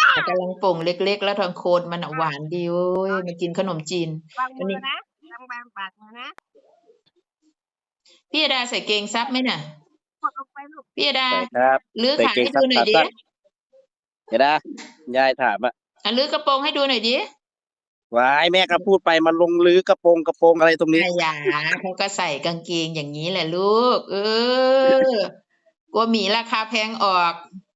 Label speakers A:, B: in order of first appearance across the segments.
A: แต่กำลังโป่งเล็กๆแล้วทางโคนมันหวานดีเว้ยมากินขนมจีน
B: วาง
A: วันนี้
B: มือนะวางปากมือนะ
A: พี่ดาใส่เกงซับไหมน่ะ
B: กดลงไปลูก
A: พี่ดา
C: ใส่ครับ
A: ลื้อ
C: ใส่
A: ขาให้
C: เกงซั
A: ดูหน่อยดิ
C: บขาสั้นเดี๋ยวนะยายถามอ่ะ
A: ลื้อกระโปรงให้ดูหน่อยดิ
C: วายแม่ก็พูดไปมันลงลื้อกระโปรงอะไรตรงนี้
A: อายาเขาก็ใส่กางเกงอย่างนี้แหละลูกกลัวหมีราคาแพงออก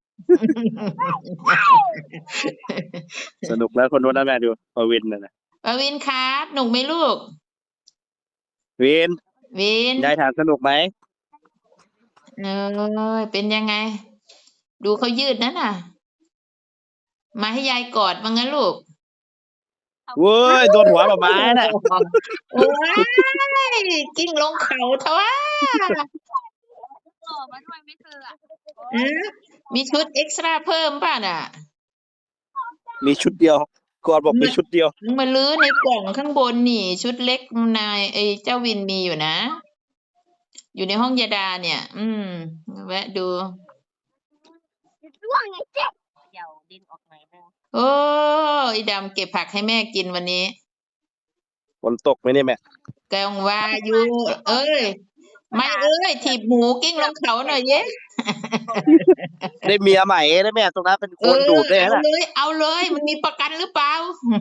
C: สนุกแล้วคนโน้นนะแม่ดูปวินนะ
A: ปวินครับหนุกไหมลูก
C: วิน
A: วิน
C: ยายถามสนุกไหม
A: เออเป็นยังไง ดูเขายืดนั่นน่ะ มาให้ยายกอดมางั้นลูก
C: เว้ยโดนหัวหมาน่ะ
A: โอ้ยกิ้งลงเขาเถอะวะ
B: โอ้มาด้วยไม่เธออ่ะ
A: มีชุดเอ็กซ์ตร้าเพิ่มป่ะน่ะ
C: มีชุดเดียวก่อนบอกมีชุดเดียว
A: มึงมาลื้อในกล่องข้างบนนี่ ชุดเล็กนายไอ้เจ้าวินมีอยู่นะ อยู่ในห้องยาดาเนี่ย แวะดู
B: ร่วงไงเจ๊เดี๋ยวดินออกหน่อยนึง
A: โอ้ยดำเก็บผักให้แม่กินวันนี้
C: ฝนตกไหมเนี่ยแม่
A: แกงว่าอยู่ เอ้ย ไม่เอ้ย ถีบหมูกิ้งลงเขาหน่อยเย้
C: ได้เมียใหม่ได้แม่ตรงนั้นเป็นคนดูดได้
A: เอา
C: นะ
A: เลย เอาเลย มันมีประกันหรือเปล่า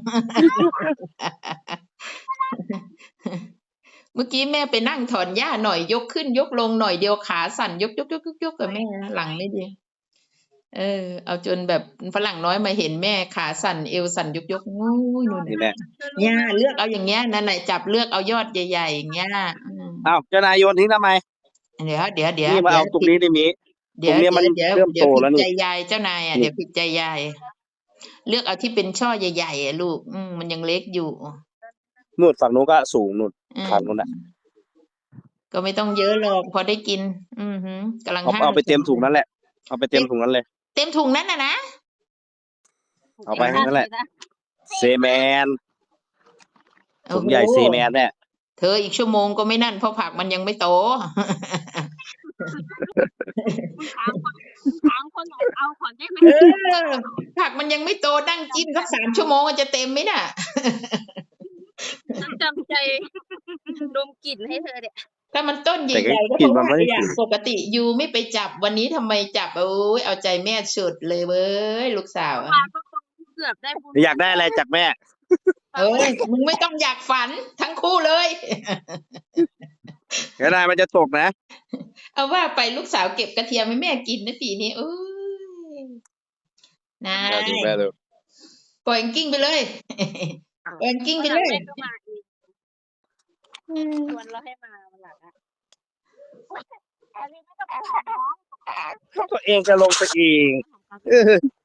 A: เมื่อกี้แม่ไปนั่งถอนหญ้าหน่อยยกขึ้นยกลงหน่อยเดียวขาสั่นยกกับแม่หลังไม่ดีเอาจนแบบฝรั่งน้อยมาเห็นแม่ขาสั่นเอวสั่นยกงูนู่น
C: นี่แม่
A: เนี่ยเลือกเอาอย่างเงี้ยนั่นแหละจับเลือกเอายอดใหญ่ๆอย่างเงี้ย
C: อ้าวเจ้านายโยนทิ้งทำไม
A: เดี๋ยว
C: นี่มาเอาตรงนี้ได้มี
A: เดี๋ยว
C: ตรงเนี้ยมันเริ่มโตแล้วนี่
A: ผิดใจยายเจ้านายอ่ะเดี๋ยวผิดใจยาย เลือกเอาที่เป็นช่อใหญ่ๆอ่ะลูกมันยังเล็กอยู่
C: นู่นฝั่งนู้นก็สูงนู่น
A: อืม
C: ฝั่งนู้นน่ะ
A: ก็ไม่ต้องเยอะหรอกพอได้กิน กำลัง
C: เอาไปเต็มถุงนั้นแหละเอาไปเต็มถุงนั้นเลย
A: เต็มถุงนั้นนะ
C: เอาไปให้นั่นแหละ เซแมนถุงใหญ่
A: โอ้โ
C: เซแมนเนี่ย
A: เธออีกชั่วโมงก็ไม่นั่นเพราะผักมันยังไม่โต
B: ถามคนเอาก่อนได้ไหม
A: ผักมันยังไม่โตนั่งจิ้มสัก3 ชั่วโมงจะเต็มไหมน่ะ
B: จำใจดมกลิ่นให้เธอเนี่ย
A: ถ้ามันต้นให
C: แต่ก็
A: ญ่ๆก็
C: กิ
A: คน ง
C: มัน
A: ว่า
C: ไม่ได้
A: อย่าง
C: กิน
A: ปกติยูไม่ไปจับวันนี้ทำไมจับโอ้ยเอาใจแม่สุดเลยเว้ยลูกสาวอะ
B: มาก็เกือบได้บุญ
C: อยากได้อะไรจากแม่
A: มึงไม่ต้องอยากฝันทั้งคู่เลย
C: เจ้านายมันจะตกนะ
A: เอาว่าไปลูกสาวเก็บกระเทียมให้แม่กินนะปีนี้นาย
C: ดูแม่ดู
A: ปล่อยกิ้งไปเลย ปล่อยกิ้งไปเลย
B: แม่ก็มาอีกชวนเราให้มาวันหลังอ่ะอันนี้ไม่ต้องแอบน้อง
C: ตัวเองจะลงไปเอง